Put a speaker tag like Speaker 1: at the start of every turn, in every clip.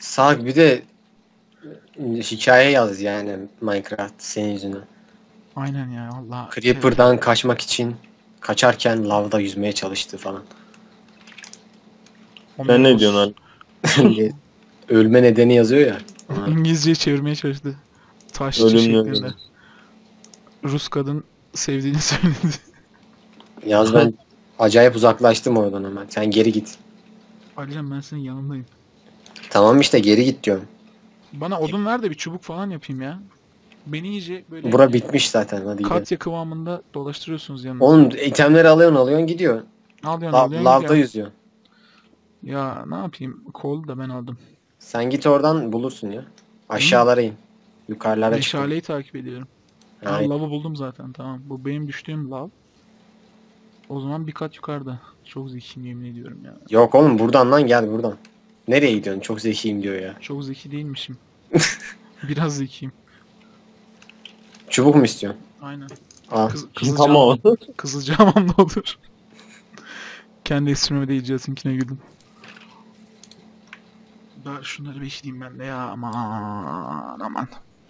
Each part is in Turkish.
Speaker 1: Sağ bir de hikaye yaz yani Minecraft senin yüzünden.
Speaker 2: Aynen ya Allah.
Speaker 1: Creeper'dan kaçmak için kaçarken lavda yüzmeye çalıştı falan.
Speaker 3: Sen ne diyorsun abi?
Speaker 1: Ölme nedeni yazıyor ya. Ona.
Speaker 2: İngilizceyi çevirmeye çalıştı. Taşçı
Speaker 3: Ölümlü
Speaker 2: şeklinde.
Speaker 3: ölüm.
Speaker 2: Rus kadın sevdiğini söyledi.
Speaker 1: Yalnız ben acayip uzaklaştım oradan hemen. Sen geri git.
Speaker 2: Alican ben senin yanındayım.
Speaker 1: Tamam işte geri git diyorum.
Speaker 2: Bana odun ver de bir çubuk falan yapayım ya. Beni iyice böyle
Speaker 1: Bura bitmiş zaten, hadi gidelim.
Speaker 2: katya kıvamında dolaştırıyorsunuz yanına.
Speaker 1: Oğlum itemleri alıyorsun gidiyor.
Speaker 2: Alıyorsun
Speaker 1: Lavda
Speaker 2: gidiyor.
Speaker 1: yüzüyor.
Speaker 2: Ya ne yapayım? Kol da ben aldım.
Speaker 1: Sen git oradan bulursun ya. Aşağılara in. Yukarılara çık.
Speaker 2: Meşaleyi takip ediyorum. Ha,
Speaker 1: Aynen.
Speaker 2: lavı buldum zaten, tamam. Bu benim düştüğüm lav. O zaman bir kat yukarıda. Çok zekiyim yemin ediyorum ya.
Speaker 1: Yok oğlum buradan lan, gel buradan. Nereye gidiyorsun? Çok zekiyim diyor ya.
Speaker 2: Çok zeki değilmişim. Biraz zekiyim.
Speaker 1: Çubuk mu istiyorsun?
Speaker 2: Aynen.
Speaker 1: Al.
Speaker 3: Tamam.
Speaker 2: Kızılcağım ne olur. Kendi esprime de icatınkine güldüm. Ben şunları bir işleyeyim ben de ya, aman.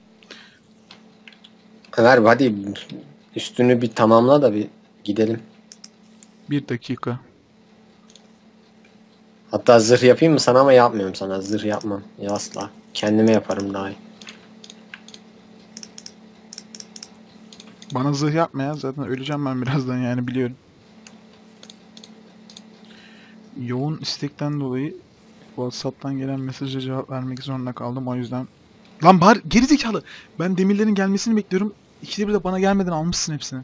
Speaker 1: Ver hadi üstünü bir tamamla da bir gidelim.
Speaker 2: 1 dakika.
Speaker 1: Hatta zırh yapayım mı sana, ama yapmıyorum sana. Zırh yapmam. Ya asla. Kendime yaparım daha iyi.
Speaker 2: Bana zırh yapma ya, zaten öleceğim ben birazdan yani, biliyorum. Yoğun istekten dolayı WhatsApp'tan gelen mesaja cevap vermek zorunda kaldım, o yüzden. Lan bari gerizekalı. Ben demirlerin gelmesini bekliyorum. İkide bir de bana gelmeden almışsın hepsini.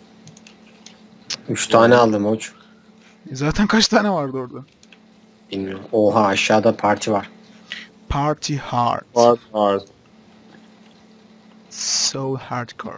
Speaker 1: 3 tane aldım hoç.
Speaker 2: Zaten kaç tane vardı orada?
Speaker 1: Bilmiyorum. Oha, aşağıda parti var.
Speaker 2: Party hard.
Speaker 3: Var.
Speaker 2: So hardcore.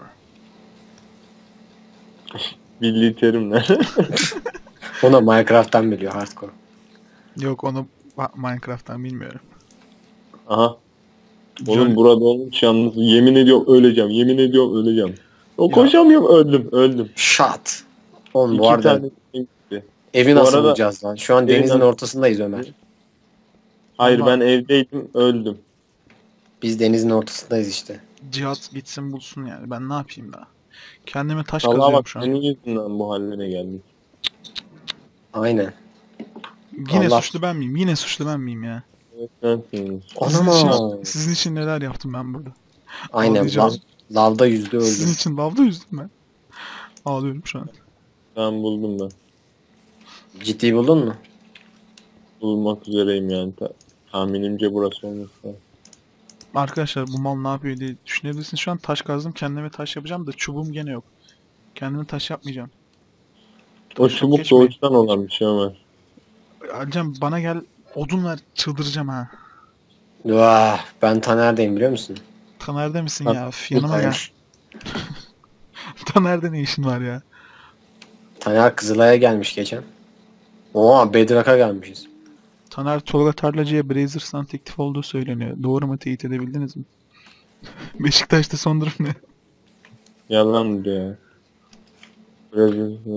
Speaker 3: Milli terimler.
Speaker 1: Ona Minecraft'tan biliyor hardcore.
Speaker 2: Yok, onu Minecraft'tan bilmiyorum.
Speaker 3: Aha. Oğlum burada olmuş yalnız. Yemin ediyorum öleceğim. Yemin ediyorum öleceğim. O
Speaker 2: Ya.
Speaker 3: koşamıyorum, öldüm.
Speaker 1: Shot. Oğlum bu
Speaker 3: İki
Speaker 1: arada
Speaker 3: tane gitti.
Speaker 1: evi
Speaker 3: Bu
Speaker 1: nasıl
Speaker 3: arada-
Speaker 1: bulacağız lan? Şu an
Speaker 3: Evi
Speaker 1: denizin
Speaker 3: nasıl-
Speaker 1: ortasındayız Ömer.
Speaker 3: Hayır
Speaker 2: Ama-
Speaker 3: ben evdeydim öldüm.
Speaker 1: Biz denizin ortasındayız işte.
Speaker 2: Cihat gitsin bulsun yani. Ben ne yapayım daha? Kendime taş
Speaker 3: Allah
Speaker 2: kazıyorum
Speaker 3: bak
Speaker 2: şu an.
Speaker 3: senin yüzünden bu hallere geldik.
Speaker 1: Aynen.
Speaker 2: Yine
Speaker 1: Allah.
Speaker 2: suçlu ben miyim? Yine suçlu ben miyim ya?
Speaker 3: Evet sensin.
Speaker 2: Sizin için neler yaptım ben burada?
Speaker 1: Aynen.
Speaker 2: Ağlayacağım.
Speaker 1: Lavda yüzdü
Speaker 2: Sizin
Speaker 1: öldü.
Speaker 2: için lavda yüzdüm ben. Ağlıyorum şu an.
Speaker 3: Ben buldum ben.
Speaker 1: Ciddi buldun mu?
Speaker 3: Bulmak üzereyim yani. Tahminimce burası olması lazım.
Speaker 2: Arkadaşlar bu mal ne yapıyor diye düşünebilirsiniz. Şu an taş kazdım. Kendime taş yapacağım da çubuğum gene yok. Kendime taş yapmayacağım.
Speaker 3: O
Speaker 2: Çok
Speaker 3: çubuk
Speaker 2: geçmeyin.
Speaker 3: doğuştan olan bir şey Ömer.
Speaker 2: Alcan bana gel, odun ver, çıldıracağım ha.
Speaker 1: Vah, ben Taner'deyim biliyor musun?
Speaker 2: Taner'de misin
Speaker 3: Bak,
Speaker 2: ya? Yanıma gel. Taner'de ne işin var ya?
Speaker 1: Taner Kızılay'a gelmiş geçen. Oha, Bedrock'a gelmişiz.
Speaker 2: Taner Tolga Tarlacı'ya Brazers'tan teklif olduğu söyleniyor. Doğru mu, teyit edebildiniz mi? Beşiktaş'ta son durum ne?
Speaker 3: Yalan diyor ya. Biraz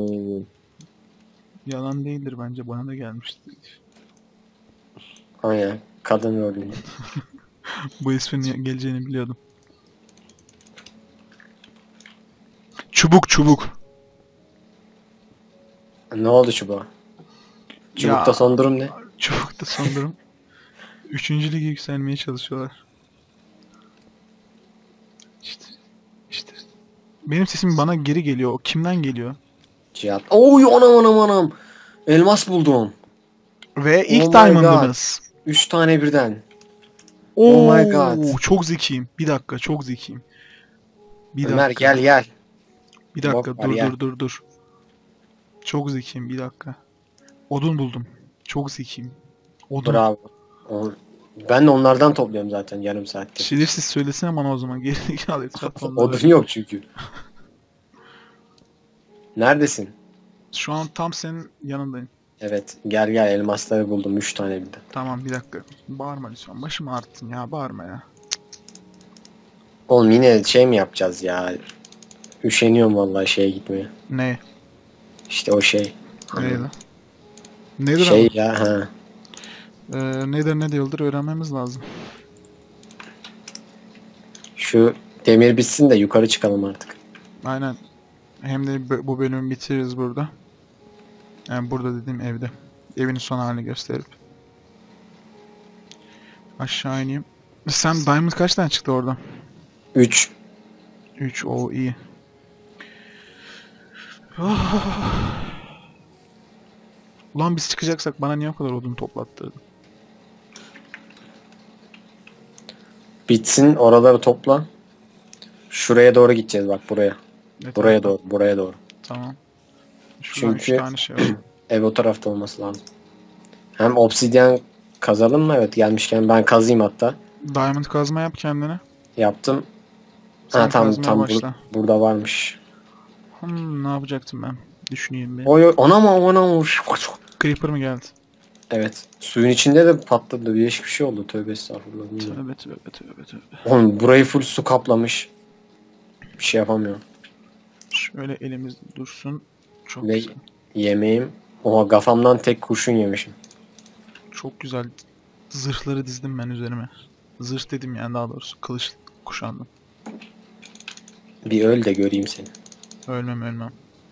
Speaker 2: Yalan değildir bence, bana da gelmişti.
Speaker 1: Aynen. Kadın rolünde.
Speaker 2: Bu esprinin geleceğini biliyordum. Çubuk.
Speaker 1: Ne oldu çubuğa? Çubukta
Speaker 2: Ya.
Speaker 1: son durum ne?
Speaker 2: Çubukta son durum. 3. lige yükselmeye çalışıyorlar. İşte. Benim sesim bana geri geliyor. O kimden geliyor?
Speaker 1: Cihat. Oy, anam. Elmas buldum.
Speaker 2: Ve ilk
Speaker 1: Oh my
Speaker 2: diamond'ımız.
Speaker 1: 3 tane birden.
Speaker 2: Oh
Speaker 1: my god.
Speaker 2: Çok zekiyim. Bir dakika, çok zekiyim. Bir
Speaker 1: Ömer
Speaker 2: dakika.
Speaker 1: gel.
Speaker 2: Bir dakika,
Speaker 1: Bok var ya.
Speaker 2: dur. Çok zekiyim, bir dakika. Odun buldum. Çok zekiyim. Odun.
Speaker 1: Bravo. Ben de onlardan topluyorum zaten yarım saattir.
Speaker 2: Şerefsiz söylesene bana o zaman. Gerizekalı etrafta onları.
Speaker 1: Odun yok çünkü. Neredesin?
Speaker 2: Şu an tam senin yanındayım.
Speaker 1: Evet, gel elmasları buldum 3 tane birden.
Speaker 2: Tamam, bir dakika. Bağırma lütfen. Başımı ağrıttın ya. Bağırma ya.
Speaker 1: Oğlum yine şey mi yapacağız ya? Üşeniyorum vallahi şeye gitmeye.
Speaker 2: Ne?
Speaker 1: İşte o şey.
Speaker 2: Neydi? Nedir
Speaker 1: Şey
Speaker 2: ama?
Speaker 1: ya ha.
Speaker 2: Nedir ne değildir öğrenmemiz lazım.
Speaker 1: Şu demir bitsin de yukarı çıkalım artık.
Speaker 2: Aynen. Hem de bu bölümü bitiririz burada. Yani burada dediğim evde. Evin son halini gösterip. Aşağı ineyim. Sen Diamond kaç tane çıktı oradan?
Speaker 1: 3.
Speaker 2: 3. O iyi. Ah. Ulan biz çıkacaksak bana niye o kadar odun toplattırdın?
Speaker 1: Bitsin, oraları topla. Şuraya doğru gideceğiz bak, buraya.
Speaker 2: Ne
Speaker 1: Buraya
Speaker 2: tarafa?
Speaker 1: doğru, buraya doğru.
Speaker 2: Tamam. Şuradan
Speaker 1: Çünkü
Speaker 2: 3 tane şey var.
Speaker 1: ev o tarafta olması lazım. Hem obsidyen kazalım mı? Evet, gelmişken ben kazayım hatta.
Speaker 2: Diamond kazma yap kendine.
Speaker 1: Yaptım.
Speaker 2: Sen
Speaker 1: Ha, tam
Speaker 2: kazmaya başla.
Speaker 1: burada varmış.
Speaker 2: Ne yapacaktım ben? Düşüneyim bir.
Speaker 1: Oy oy, ona mı?
Speaker 2: Creeper mı geldi?
Speaker 1: Evet. Suyun içinde de patladı. Değişik bir şey oldu. Tövbe estağfurullah. Bilmiyorum.
Speaker 2: Tövbe.
Speaker 1: Oğlum burayı full su kaplamış. Bir şey yapamıyorum.
Speaker 2: Şöyle elimizde dursun. Çok
Speaker 1: Ve
Speaker 2: güzel.
Speaker 1: yemeğim. Oha, kafamdan tek kurşun yemişim.
Speaker 2: Çok güzel. Zırhları dizdim ben üzerime. Zırh dedim yani, daha doğrusu. Kılıç kuşandım.
Speaker 1: Bir öl de göreyim seni.
Speaker 2: Ölmem.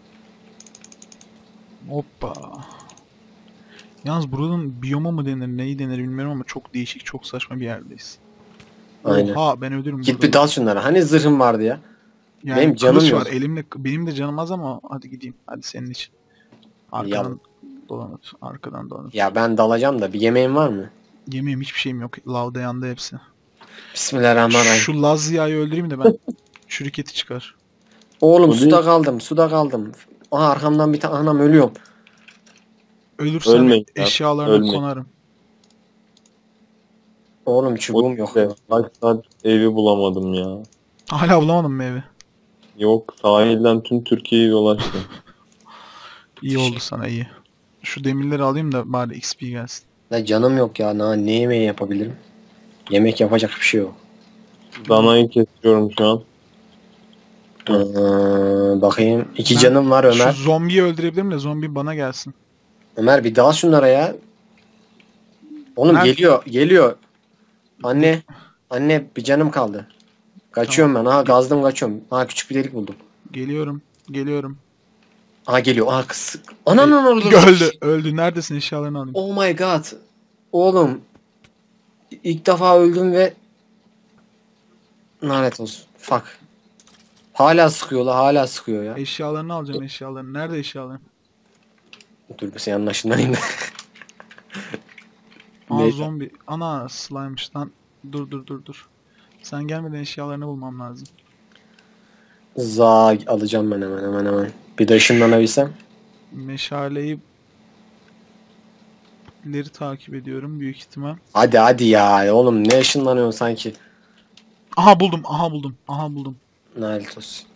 Speaker 2: Hoppa. Yalnız buranın biyoma mı denir, neyi denir bilmiyorum ama çok değişik, çok saçma bir yerdeyiz.
Speaker 1: Aynen.
Speaker 2: Oha, ben ölürüm
Speaker 1: Git
Speaker 2: burada.
Speaker 1: bir dal şunlara. Hani zırhım vardı ya.
Speaker 2: Yani
Speaker 1: benim canım
Speaker 2: kılıç
Speaker 1: yok.
Speaker 2: var elimde, benim de canım az ama hadi gideyim. Hadi senin için. Arkadan dolanıp.
Speaker 1: Ya ben dalacağım da bir yemeğim var mı?
Speaker 2: Yemeğim hiçbir şeyim yok. Lavda yandı hepsi.
Speaker 1: Bismillahirrahmanirrahim.
Speaker 2: Şu Lazya'yı öldüreyim de ben. Çürük çıkar.
Speaker 1: Oğlum
Speaker 3: O
Speaker 1: suda kaldım. Aha, arkamdan bir tane anam, ölüyorum.
Speaker 2: Ölürsem
Speaker 3: Ölmeyin ya,
Speaker 2: eşyalarına
Speaker 3: ölmeyin.
Speaker 2: konarım.
Speaker 1: Oğlum çubuğum yok.
Speaker 3: Kaç saat evi bulamadım ya.
Speaker 2: Hala bulamadım mı evi?
Speaker 3: Yok, sahilden tüm Türkiye'yi dolaştım.
Speaker 2: İyi oldu sana, iyi. Şu demirleri alayım da bari XP gelsin.
Speaker 1: Ya canım yok ya. Ne yemeği yapabilirim? Yemek yapacak bir şey yok.
Speaker 3: Danayı kesiyorum şu an.
Speaker 1: Bakayım. 2
Speaker 2: Ben
Speaker 1: canım var Ömer.
Speaker 2: Şu zombiyi öldürebilirim de zombi bana gelsin.
Speaker 1: Ömer bir dal şunlara ya. Oğlum
Speaker 2: Nerede?
Speaker 1: geliyor. Anne bir canım kaldı. Kaçıyorum ben. Aha, gazdım kaçıyorum. Aha, küçük bir delik buldum.
Speaker 2: Geliyorum.
Speaker 1: Aha, geliyor. Aha, kız. Ananın orada.
Speaker 2: Öldü. Neredesin, eşyalarını alayım.
Speaker 1: Oh my god. Oğlum. İlk defa öldüm ve lanet olsun. Fuck. Hala sıkıyor ya.
Speaker 2: Eşyalarını alacağım, eşyalarını. Nerede eşyaların?
Speaker 1: Dur bir senin başından da.
Speaker 2: Aa,
Speaker 1: Neyse.
Speaker 2: zombi. Ana, slime'mış lan. Dur. Sen gelmeden eşyalarını bulmam lazım.
Speaker 1: Alacağım ben hemen. Bir de ışınlanabilsem.
Speaker 2: Meşaleyi ileri takip ediyorum büyük ihtimal.
Speaker 1: Hadi ya. Oğlum ne ışınlanıyorsun sanki.
Speaker 2: Aha buldum.
Speaker 1: Lanet olsun.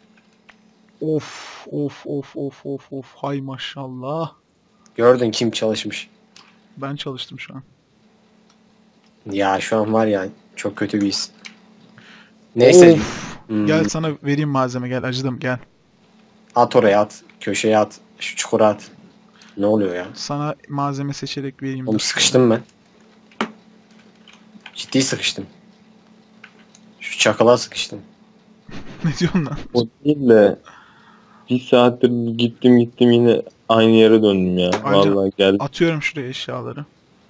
Speaker 2: Of. Hay maşallah.
Speaker 1: Gördün kim çalışmış.
Speaker 2: Ben çalıştım şu an.
Speaker 1: Ya şu an var ya, çok kötü bir his. Neyse.
Speaker 2: Of. Gel sana vereyim malzeme, gel, acıdım, gel.
Speaker 1: At oraya at. Köşeye at. Şu çukura at. Ne oluyor ya?
Speaker 2: Sana malzeme seçerek vereyim.
Speaker 1: Oğlum
Speaker 2: dur.
Speaker 1: sıkıştım ben. Ciddi sıkıştım. Şu çakala sıkıştım.
Speaker 2: Ne diyorsun lan?
Speaker 3: O değil de bir saattir gittim yine aynı yere döndüm ya.
Speaker 2: Ayrıca-
Speaker 3: Vallahi geldim.
Speaker 2: Atıyorum şuraya eşyaları.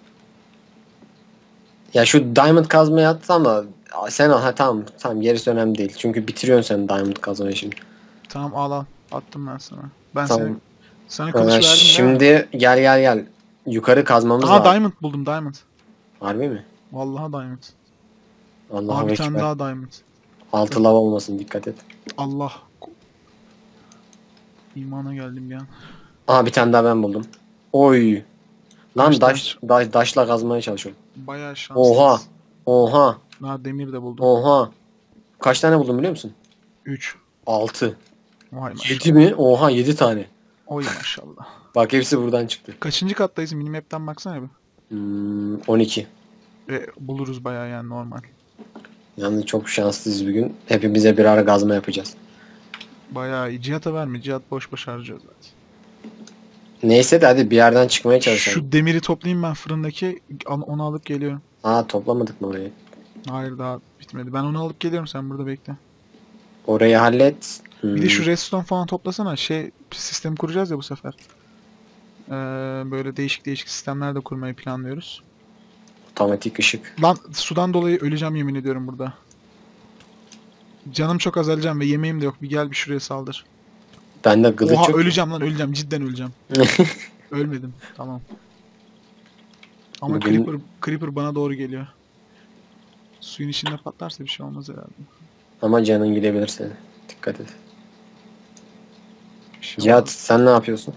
Speaker 1: Ya şu diamond kazmayı atsam da sen al. Ha, tamam gerisi önemli değil. Çünkü bitiriyorsun sen diamond kazmayı şimdi.
Speaker 2: Tamam, al. Attım ben sana. Ben
Speaker 1: Tamam.
Speaker 2: sana kılıç verdim değil mi?
Speaker 1: Şimdi gel. Yukarı kazmamız
Speaker 2: Aha,
Speaker 1: lazım.
Speaker 2: diamond buldum, diamond.
Speaker 1: Harbi mi?
Speaker 2: Vallahi diamond.
Speaker 1: Allah'a
Speaker 2: Aha, bir tane
Speaker 1: ekber.
Speaker 2: daha diamond.
Speaker 1: Altı lav olmasın, dikkat et.
Speaker 2: Allah. İmana geldim bir an.
Speaker 1: Aha, bir tane daha ben buldum. Oy. Lan
Speaker 2: Kaç
Speaker 1: daşla kazmaya çalışıyorum.
Speaker 2: Bayağı şanslıyız.
Speaker 1: Oha.
Speaker 2: Ha, demir de buldum.
Speaker 1: Oha. Kaç tane buldum biliyor musun?
Speaker 2: 3.
Speaker 1: 6.
Speaker 2: Vay
Speaker 1: 7
Speaker 2: maşallah.
Speaker 1: mi? Oha, 7 tane.
Speaker 2: Oy maşallah.
Speaker 1: Bak hepsi buradan çıktı.
Speaker 2: Kaçıncı kattayız? Minimap'ten baksana bir.
Speaker 1: 12.
Speaker 2: Buluruz bayağı yani, normal.
Speaker 1: Yalnız çok şanslıyız bugün. Hepimize birer kazma yapacağız.
Speaker 2: Bayağı iyi. Cihat'a verme. Cihat boş harcıyor zaten.
Speaker 1: Neyse de hadi bir yerden çıkmaya çalışalım.
Speaker 2: Şu demiri toplayayım ben fırındaki. Onu alıp geliyorum.
Speaker 1: Aa, toplamadık mı orayı?
Speaker 2: Hayır daha bitmedi. Ben onu alıp geliyorum, sen burada bekle.
Speaker 1: Orayı hallet.
Speaker 2: Bir de şu redstone falan toplasana. Sistem kuracağız ya bu sefer. Böyle değişik değişik sistemler de kurmayı planlıyoruz.
Speaker 1: Otomatik ışık.
Speaker 2: Lan sudan dolayı öleceğim yemin ediyorum burada. Canım çok azalacağım ve yemeğim de yok. Bir gel bir şuraya saldır.
Speaker 1: Bende kılıç
Speaker 2: Oha
Speaker 1: yok.
Speaker 2: öleceğim lan, öleceğim. Cidden öleceğim. Ölmedim. Tamam. Ama
Speaker 1: Bugün-
Speaker 2: Creeper bana doğru geliyor. Suyun içinde patlarsa bir şey olmaz herhalde.
Speaker 1: Ama canın gidebilir senin. Dikkat et.
Speaker 2: Bir şey
Speaker 1: Cihat
Speaker 2: olmaz.
Speaker 1: sen ne yapıyorsun?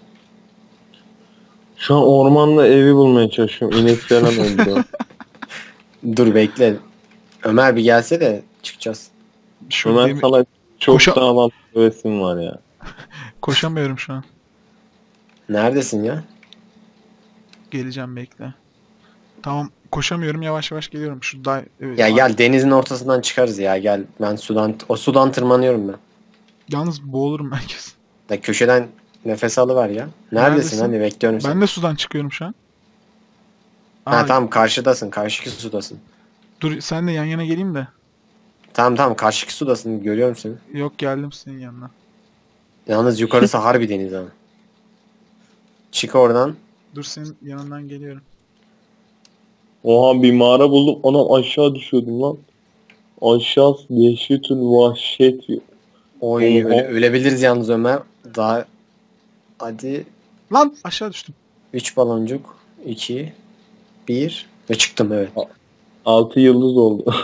Speaker 3: Şu an ormanda evi bulmaya çalışıyorum. İnek falan öldü.
Speaker 1: Dur bekle. Ömer bir gelse de çıkacağız.
Speaker 2: Şöyle
Speaker 3: Ömer sana çok
Speaker 2: Koşa-
Speaker 3: sağlam bir resim var ya.
Speaker 2: koşamıyorum şu an.
Speaker 1: Neredesin ya?
Speaker 2: Geleceğim bekle. Tamam koşamıyorum, yavaş yavaş geliyorum. Evet,
Speaker 1: Ya gel denizin ortasından çıkarız ya gel. Ben sudan tırmanıyorum ben.
Speaker 2: Yalnız boğulurum herkes.
Speaker 1: Da köşeden nefes alıver ya. Neredesin?
Speaker 2: Neredesin?
Speaker 1: Hadi bekliyorum seni.
Speaker 2: Ben de sudan çıkıyorum şu an.
Speaker 1: Ha tamam karşıdasın. Karşıki sudasın.
Speaker 2: Dur sen de yan yana geleyim de.
Speaker 1: Tamam karşıki sudasın. Görüyorum seni.
Speaker 2: Yok geldim senin yanına.
Speaker 1: Yalnız yukarısı harbi deniz ama. Çık oradan.
Speaker 2: Dur senin yanından geliyorum.
Speaker 3: Oha bir mağara buldum. Anam aşağı düşüyordum lan. Aşağısı dehşetül vahşet.
Speaker 1: Oy
Speaker 3: Oha.
Speaker 1: ölebiliriz yalnız Ömer. Daha hadi
Speaker 2: Lan aşağı düştüm.
Speaker 1: 3 baloncuk 2 1 ve çıktım evet.
Speaker 3: 6 yıldız oldu.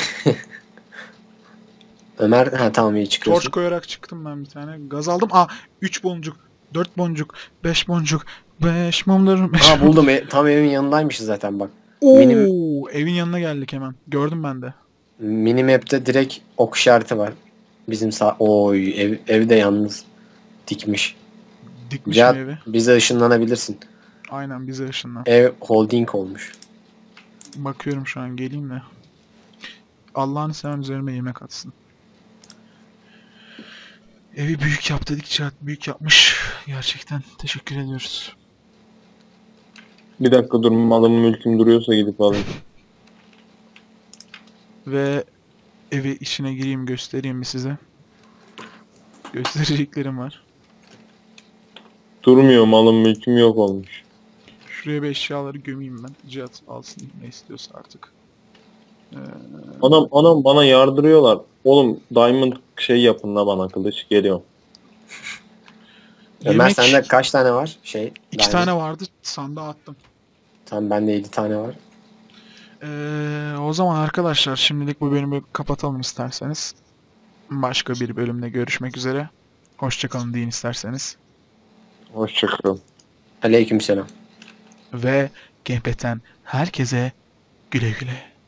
Speaker 1: Ömer ha tamam iyi çıkıyorsun.
Speaker 2: Torç koyarak çıktım ben bir tane. Gaz aldım. 3 boncuk, 4 boncuk, 5 boncuk, 5 mumlarım.
Speaker 1: Ha buldum. Tam evin yanındaymışız zaten bak.
Speaker 2: Oo,
Speaker 1: Benim-
Speaker 2: evin yanına geldik hemen. Gördüm ben de.
Speaker 1: Minimap'te direkt ok işareti var. Bizim Oy ev de yalnız dikmiş.
Speaker 2: Dikmiş
Speaker 1: Cihat
Speaker 2: evi.
Speaker 1: bize ışınlanabilirsin.
Speaker 2: Aynen bize ışınlan.
Speaker 1: Ev holding olmuş.
Speaker 2: Bakıyorum şu an, geleyim de. Allah'ını seven üzerime yemek atsın. Evi büyük yap dedik, Cihat büyük yapmış. Gerçekten teşekkür ediyoruz.
Speaker 3: Bir dakika dur, malım mülküm duruyorsa gidip alayım.
Speaker 2: Ve evi içine gireyim, göstereyim mi size? Göstereceklerim var.
Speaker 3: Durmuyor, malım mülküm yok olmuş.
Speaker 2: Şuraya bir eşyaları gömeyim ben. Cihat alsın ne istiyorsa artık.
Speaker 3: Anam bana yardırıyorlar. Oğlum diamond şey yapın la bana, kılıç geliyor.
Speaker 1: Ömer
Speaker 2: Yemek
Speaker 1: sende kaç tane var?
Speaker 2: 2 tane vardı, sandığa attım.
Speaker 1: Tamam bende 7 tane var.
Speaker 2: O zaman arkadaşlar şimdilik bu bölümü kapatalım isterseniz. Başka bir bölümde görüşmek üzere. Hoşçakalın deyin isterseniz.
Speaker 3: Hoşçakalın.
Speaker 1: Aleykümselam.
Speaker 2: Ve Gamepad'den herkese güle güle.